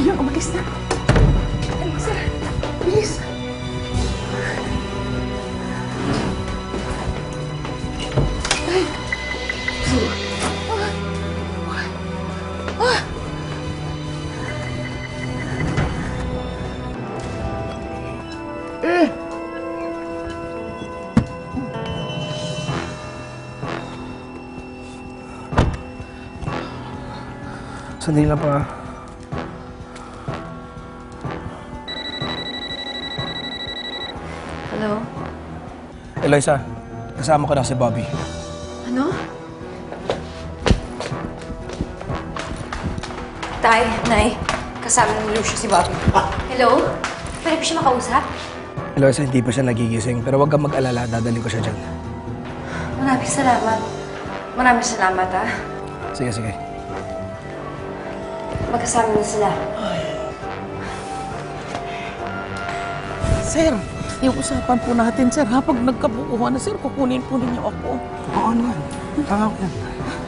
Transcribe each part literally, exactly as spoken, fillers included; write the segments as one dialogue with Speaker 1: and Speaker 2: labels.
Speaker 1: Ayun, umalis na. Ay, sir. Bilis. Ay. Sir. Ah. Ah. Eh. Sandali lang pa.
Speaker 2: Hello?
Speaker 3: Eloisa, kasama ko na si Bobby.
Speaker 2: Ano? Tay, Nay, kasama ng Lucio si Bobby. Hello? Pwede ko siya makausap?
Speaker 3: Eloisa, hindi pa siya nagigising, pero huwag kang mag-alala, dadalhin ko siya dyan.
Speaker 2: Maraming salamat. Maraming salamat, ha?
Speaker 3: Sige, sige.
Speaker 2: Magkasama na sila.
Speaker 1: Sir, yung usapan po natin, sir, ha? Pag nagkabukuhan na, sir, kukunin po ninyo ako.
Speaker 3: Oo naman. Tanga ko yan.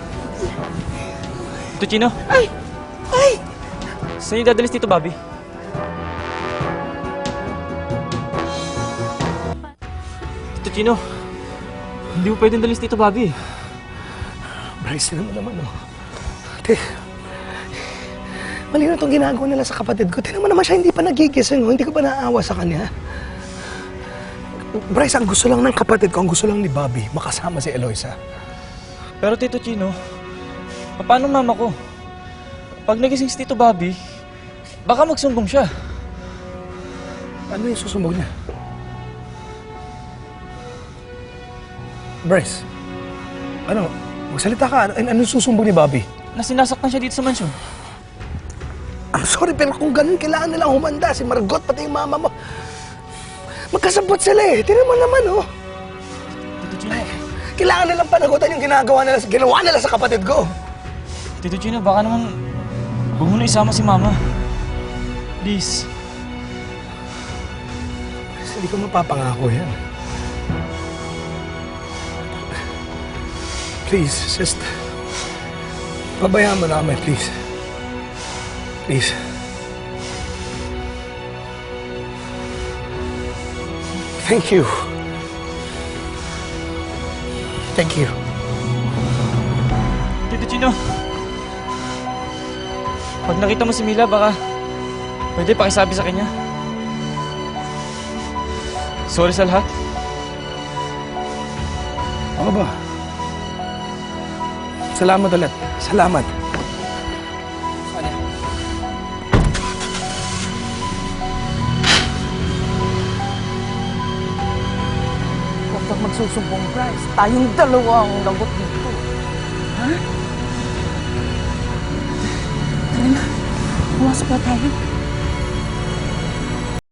Speaker 4: Tito Chino,
Speaker 1: Ay! Ay!
Speaker 4: saan yung dadalis Tito Bobby? Tito Chino, hindi mo pwedeng dalis Tito Bobby.
Speaker 3: Bryce, tinan mo naman, oh. Ate, mali na itong ginagawa nila sa kapatid ko. Tinan mo naman siya, hindi pa nagigising, oh. Hindi ko pa naaawa sa kanya. Bryce, ang gusto lang ng kapatid ko, ang gusto lang ni Bobby, makasama si Eloisa.
Speaker 4: Pero Tito Chino, paano mama ko? Pag nagising si Tito Bobby, baka magsumbong siya.
Speaker 3: Ano yung susumbog niya? Bryce, ano? Magsalita ka. Ano, anong susumbog ni Bobby?
Speaker 4: Na sinasaktan siya dito sa mansyon.
Speaker 3: I'm sorry, pero kung ganun, kailangan nilang humanda. Si Margot, pati yung mama mo. Magkasabot sila eh. Tinan mo naman, oh.
Speaker 4: Tito Chino,
Speaker 3: Kailangan nilang panagutan yung ginagawa nila, ginawa nila sa kapatid ko.
Speaker 4: Tito Chino, baka naman huwag mo na isama si Mama. Please.
Speaker 3: Bryce, hindi ko mapapangako yan. Please, just... Pabayaan mo na kami, please. Please. Thank you. Thank you.
Speaker 4: Tito Chino, pag nakita mo si Mila, baka pwede pakisabi sa kanya. Sorry sa lahat.
Speaker 3: Ako ba? Salamat ulit. Salamat.
Speaker 1: Huwag kang magsusumbong, Bryce. Tayong dalawa ang lagot dito. Ha? Tara na. Buwas pa tayo.